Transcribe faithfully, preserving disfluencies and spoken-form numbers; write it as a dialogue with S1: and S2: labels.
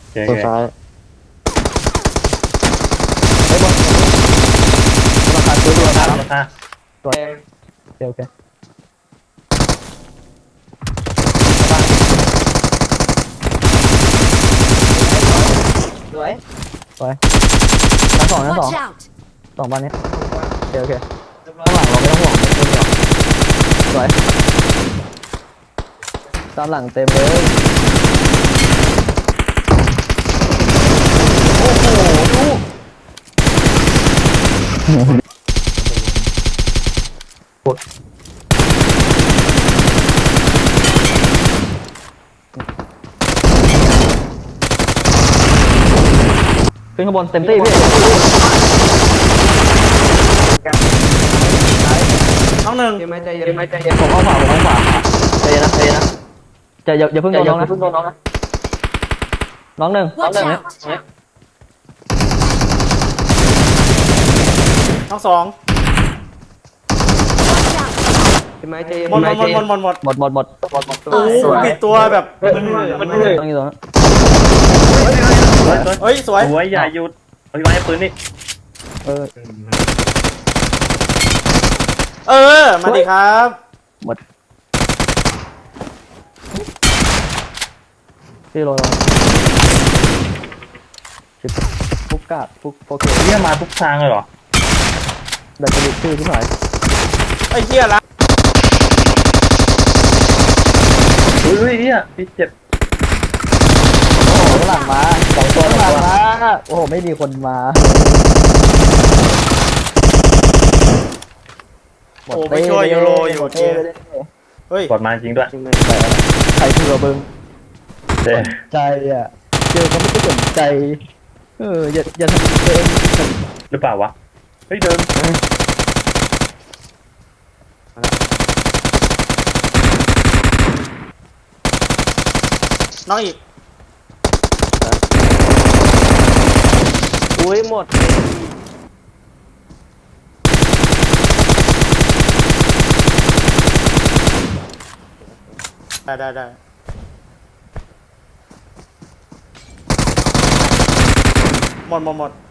S1: ตัวซ้ายไอ้บอลราคาซื้อตัว
S2: รา
S1: ค
S2: คา
S1: รับ
S2: ราคา
S1: ตัวโอเคโอเคสวยสวยชั้นสองชั้นสอง
S3: Watch out!
S1: สองบ้านนี้โอเคโอเคข้างหลังเราไม่ต้องห่วงไม่ต้องห่วงสวยตามหลังเต็มเลยโอ้โหดูขึ้นข้างบนเต็มที่พี่
S4: น้องหนึ่ง
S1: เย็นไหมใจเย็นไหมใจเย็นผมเอาขวาผมเอาขวาใจเย็นนะใจเย็นนะจะอย่าอย่าเพิ่งโดนน้องนะน้องหนึ่งน้องห
S3: Watch
S1: นึ่ง
S3: out!
S4: น้องสอง
S3: Watch out!
S1: เย็นไหมใจเย็น
S4: หมดหมดหมดหมดหมด
S1: หมดหมดหมดหมดหมด
S4: โอ้โหปิดตัวแบบมัน
S1: ต้องอยู่ตรงนั้น
S4: เฮ้ยสวย
S2: สวยอย่าหยุดเอาไว้ให้ปืนนี่
S1: เออ
S4: เออมาดิครับ
S1: หมดพี่โรยชิบฟุกกาดฟุกโอเค
S2: เรียกมาทุกทางเลยเหรอ
S1: ดัชนีชื่อที่หน่อย
S4: ไอ้เหี้ยละ
S2: อุ้ยอุ้ยเนี่ยพี่เจ็บ
S1: โอ้โหข้างหลังมาสองตัวข้างหลังมาโอ้โหไม่มีคนมา
S4: โอ้ไปช่วยยูโรอยู่เจเฮ้ย
S2: กดมาจริงด้วย
S1: ใครเผื่อบึง
S2: เจ๊
S1: ใจอ่ะเจอเขาไม่ได้สนใจเอออย่าอย่าทำตัวเอง
S2: หรือเปล่าวะเฮ้ยเดิน
S4: น้องอีก
S1: อุ้ยหมด
S4: ได้ได้ได้หมดหมดหมด